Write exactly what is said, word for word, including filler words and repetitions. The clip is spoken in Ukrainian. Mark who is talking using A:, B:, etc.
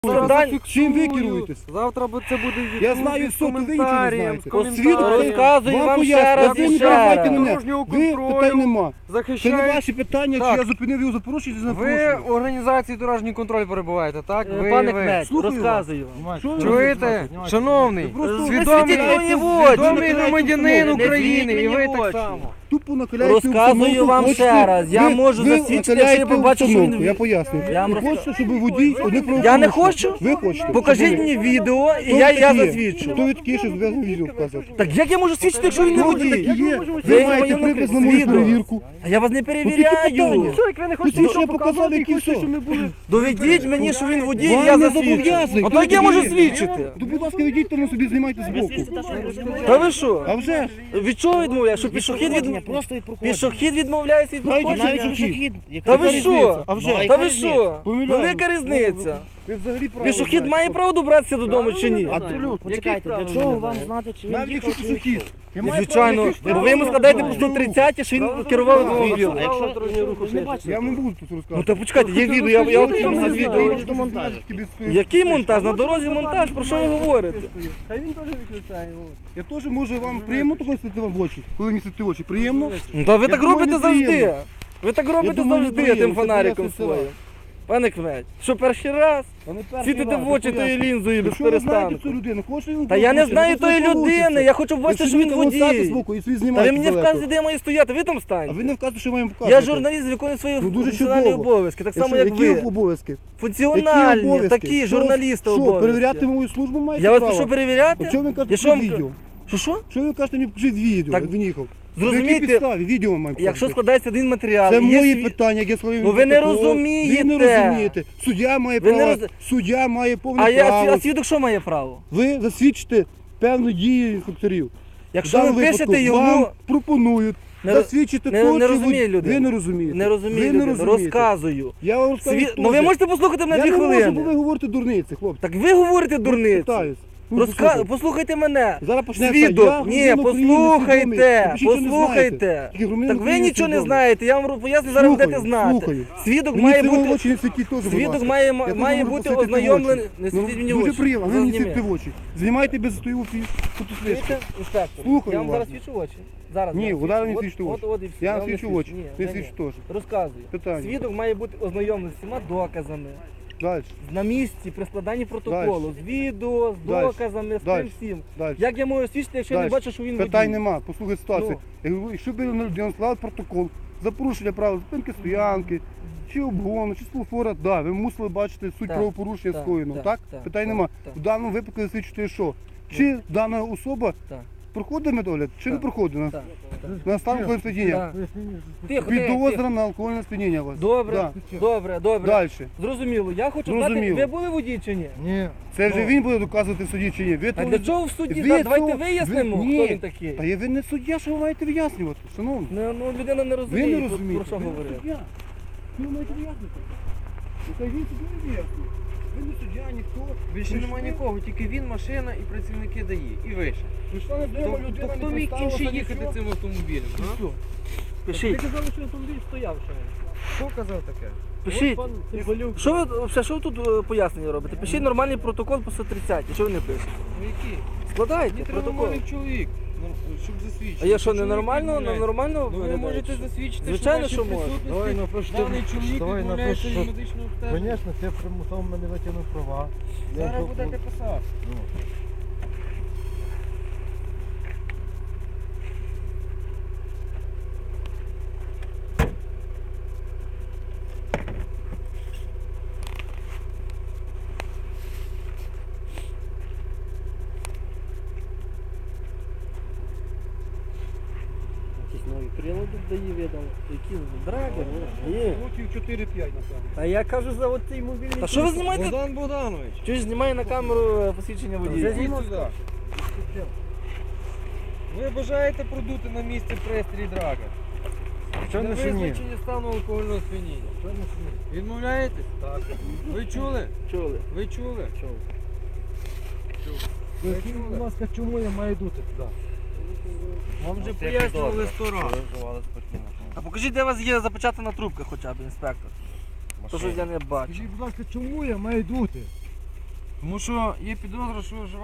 A: Завдань...
B: Чим ви керуєтесь?
A: Завтра це буде в
B: Я знаю все, то ви нічого не знаєте.
A: Освіту
B: Розказую
A: вам ще раз
B: ви
A: і
B: не
A: ще
B: перебивайте
A: раз.
B: мене. Ви питань нема. Це не
A: Захищають.
B: ваші питання,
A: Так.
B: чи я зупинив його за порушення, чи не
A: Ви
B: порушення.
A: в організації дорожній контроль перебуваєте, так? Ви,
C: Пане
A: ви.
C: Кмет,
B: Слухаю
C: розказую.
B: Що ви
A: Чуєте?
B: розказуєте?
A: Шановний,
B: просто
A: свідомий,
C: ви світіть мені в очі.
A: свідомий громадянин
C: Не
A: України,
C: світіть
A: і ви
C: мені в
A: так
C: очі.
A: само.
B: Тупо накаляєте
C: Розказую
B: установку,
C: вам
B: хочете-
C: ще раз. Я
B: ви-
C: можу
B: ви
C: засвідчити,
B: накаляєте
C: якщо я побачу, що
B: установку,
C: він-
B: Я поясню.
C: Я вам
B: Ви
C: розкажу.
B: хочете, щоб водій одне правопорушення?
C: Я не хочу.
B: Ви хочете.
C: Покажіть
B: Щоб ви-
C: мені відео, і
B: Хто
C: я,
B: ви
C: я
B: такі є?
C: засвідчу.
B: Хто ви такі, що зв'язаний відео вказувати?
C: Так як я можу свідчити, якщо він не
B: Хто ви такі
C: водій?
B: є?
C: Ви
B: Ви маєте
C: воєнний
B: припис на мою
C: свідок.
B: перевірку.
C: А я вас не
B: питання?
C: перевіряю.
A: Що, як ви не
B: Тут ще показали, які все.
C: Доведіть мені, що він водій,
B: Вам
C: і я
B: не
C: засвідчу.
B: зобов'язаний.
C: А то як я можу
B: Ні.
C: свідчити?
B: То, будь ласка, ведіть, тому собі знімайте збоку.
C: Та ви що?
B: А вже ж.
C: Від чого відмовляєш? Що пішохід від...
D: Просто від проходження.
C: Пішохід відмовляється від
B: Навіть
C: проходження?
D: Навіть пішохід.
C: Та ви що?
B: А вже
D: Ну,
B: ж.
D: а
C: Та
D: яка
C: ви
D: різниця?
C: що?
B: Помиляю.
C: Велика різниця.
B: Ви взагалі правильно
C: Пішохід
B: знаєте.
C: має право добратися додому чи ні?
B: Абсолютно.
D: Почекайте, для чого вам знати, чи він
B: Навіть якщо
D: їхав, чи не
B: пішохід.
D: їхав?
B: Я маю
C: Звичайно,
B: право
C: бо
B: якесь
C: ви йому
B: право
C: складаєте
B: на
C: по
B: дорогу.
C: сто тридцять, що він керував
D: А
C: автомобілем.
D: якщо дорожнього руху ви ж не бачите?
B: Я вам не буду тут
C: Ну
B: розказувати.
C: та почекайте, є відео, я, я от
B: Я
C: вам
B: не
C: відео.
B: знаю,
D: відео монтаж.
C: Який монтаж? На дорозі монтаж, про що ви говорите?
A: Та він теж виключає.
B: Я теж можу вам приємно такого світити вам в очі, коли мені світити в очі. Приємно?
C: Ну та ви
B: Я
C: так
B: думаю,
C: робите
B: не
C: завжди.
B: приємно.
C: Ви так робите
B: думаю, не
C: завжди
B: приємно,
C: тим
B: це
C: фонариком
B: пояснюється
C: своїм.
B: вам.
C: Пане Кмет, що перший раз?
B: Та не перший
C: Світите
B: раз,
C: в очі
B: я
C: тої
B: поясню.
C: лінзою без
B: Якщо ви знаєте
C: перестанку.
B: цю людину, хочете він
C: Та я не
B: получить,
C: знаю
B: то
C: тої
B: це получиться.
C: людини, я хочу побачити, що
B: Якщо
C: він
B: ви там стати
C: водій.
B: збоку і свій
C: Та
B: знімаєте
C: ви мені
B: далеко.
C: вказуєте, де я маю стояти, ви там
B: А
C: станьте.
B: ви не вказуєте, що я маю показувати.
C: Я журналіст, виконую свої
B: Ну, дуже
C: функціональні
B: чудово.
C: обов'язки, так само
B: Якщо-
C: як
B: Які
C: ви.
B: обов'язки? Які
C: Функціональні,
B: обов'язки?
C: такі,
B: Що-
C: журналісти
B: Що,
C: обов'язки.
B: перевіряти мою службу маєте
C: Я вас
B: право?
C: прошу перевіряти?
B: Що ви кажете,
C: Я що вам
B: відео?
C: Що що?
B: Що ви кажете, мені покажіть відео,
C: Так,
B: як він їхав?
C: зрозумійте,
B: На якій підставі? Відео маю
C: Якщо
B: показати.
C: складається один матеріал,
B: Це
C: і є
B: мої
C: сві-
B: питання, як я складаю.
C: Ну, ви не
B: протокол.
C: розумієте.
B: Ви не розумієте. Суддя має
C: Ви не
B: право,
C: роз-
B: суддя має повне
C: А я
B: право.
C: а свідок що має право?
B: Ви засвідчите певну дію інспекторів. В
C: Якщо
B: даному
C: ви пишете
B: випадку
C: йому,
B: вам пропонують
C: Не роз-
B: засвідчити
C: не-
B: то,
C: не
B: чи
C: розуміє
B: ви-
C: людина.
B: ви не розумієте.
C: не розумію,
B: Ви не
C: людину,
B: розумієте.
C: розказую.
B: Я вам розкажу
C: Сві...
B: теж.
C: Ну ви можете послухати мене
B: Я
C: дві
B: не можу, бо ви
C: хвилини.
B: говорите дурниці, хлопці.
C: Так ви говорите дурниці.
B: Питаюсь. Ну,
C: Розка...
B: послухайте.
C: Послухайте мене.
B: Зараз почнеться.
C: Свідок,
B: Я
C: ні,
B: громадянин України,
C: послухайте,
B: свідомий. Ви ще нічого не
C: послухайте.
B: знаєте. Тільки громадянин
C: Так ви
B: України
C: нічого не
B: свідомий.
C: знаєте, я вам поясню, зараз
B: Слухаю,
C: будете знати.
B: слухаю.
C: Свідок
B: Мені
C: має
B: це в
C: бути,
B: очі не світіть теж, будь
C: свідок
B: ласка.
C: має,
B: Я
C: має
B: теж можу
C: бути
B: посвітити в
C: ознайомлений.
B: очі.
C: Не
B: Ну,
C: світіть мені в
B: дуже
C: очі.
B: приємно, ви мені
C: Зазніми.
B: світите в очі. Знімайте без стою в фіш. Тут слідчі.
C: Чуєте, інспектор?
B: Слухаю
C: Я вам
B: вас.
C: зараз свічу в очі. Зараз.
B: Ні,
C: зараз
B: удар не
C: свічу.
B: свічте в
C: От-
B: очі.
C: от- от і все.
B: Я
C: вам
B: вам
C: не
B: свічу в очі.
C: Ні,
B: Ви
C: ні,
B: свічите
C: ні.
B: теж.
C: Розказую.
B: Питання.
C: Свідок має бути ознайомлений з всіма доказами.
B: Далі.
C: На місці, при складанні протоколу, з відео, з
B: Дальше.
C: доказами, з
B: Дальше.
C: тим всім.
B: Далі.
C: Як я можу свідчити, якщо я не
B: Дальше.
C: бачу, що він
B: Питань
C: водій?
B: нема. Послухай ситуацію.
C: Ну.
B: Якщо б на людину склали протокол за порушення правил зупинки стоянки, чи обгону, чи світлофора, да, ви мусили бачити суть
C: Так,
B: правопорушення
C: так,
B: скоєного,
C: так,
B: так?
C: так,
B: Питань
C: так,
B: нема.
C: так.
B: В даному випадку засвідчуєте що? Чи дана особа
C: Так.
B: проходить медогляд, чи не
C: Так,
B: проходить на,
C: Так, так.
B: на стан алкогольного сп'яніння?
C: Так. Тихо, тихо,
B: Підозра
C: тихо.
B: на алкогольне сп'яніння у вас.
C: Добре,
B: Да.
C: добре, добре.
B: Далі.
C: Зрозуміло. Я хочу знати,
B: Зрозуміло.
C: ви були водій чи ні?
B: Ні. Це вже
C: Ну.
B: він буде доказувати в суді чи ні. Ви
C: А
B: то-
C: для чого в суді?
B: ви
C: Да, Давайте
B: цього-
C: вияснимо,
B: ви-
C: хто
B: Ні.
C: він такий.
B: Та є ви не суддя, що ви маєте вияснювати, шановні.
C: Ну, ну, людина не
B: Ви
C: розуміє,
B: не
C: про-
B: розумієте.
C: про що
B: ви не
C: говорить.
B: суддя. Ви маєте вияснити. Ну, та він собі не вияснює. Ви не суддя, ніхто.
A: Більше
B: Ви
A: немає
B: ж-
A: нікого, тільки він, машина і працівники ДАІ. І вище.
B: Прийшла не
A: То,
B: вдома
A: то
B: людина,
A: хто
B: не
A: міг
B: представилася,
A: інший їхати
B: нічого.
A: цим автомобілем?
B: І
A: а?
B: все.
C: Пишіть,
A: казали, що автомобіль стояв ще. Хто казав таке?
C: пишіть. Що ви, взагалі, що ви тут е, пояснення робите? Пишіть нормальний протокол по сто тридцять, що ви не пишете?
A: Ну який?
C: Складайте
A: Мені треба
C: протокол.
A: нормальний чоловік, ну, щоб засвідчити.
C: А я що,
A: Чоловік
C: ненормально?
A: відмовляється.
C: Нормально
A: Ну ви
C: виглядаю,
A: можете
C: що?
A: засвідчити,
C: Звичайно,
A: що
C: що
A: в
C: можна.
A: вашій
E: Давай
A: присутності
E: напиши,
A: даний чоловік
E: давай
A: відмовляється
E: напиши,
A: від
E: що-
A: медичного обстеження.
E: Звісно, ти примусово мене витягнув права. Я
A: Зараз
E: вже-
A: будете писати.
E: Ну.
C: Якісь нові прилади дає видали. Які драгер? Ні.
B: Років чотири-п'ять, напевно.
C: А я кажу за от цей мобільний. Та що ви знімаєте?
A: Богдан Богданович.
C: Чогось знімає на камеру е, посвідчення водія?
A: Зайдіть сюди. Ви бажаєте продути на місці пристрій драга?
E: Що
A: Для
E: не шині?
A: визначення стану алкогольного сп'яніння. Відмовляєтесь? Так. Ви чули?
C: Чули?
A: Ви чули?
C: Чули.
E: Поясніть, будь ласка, чому я маю дути туди?
A: Вам вже пояснювали сто разів.
C: А покажіть, де у вас є запечатана трубка хоча б, інспектор. То щось я не бачу.
E: Скажіть, будь ласка, чому я маю дути?
A: Тому що є підозра, що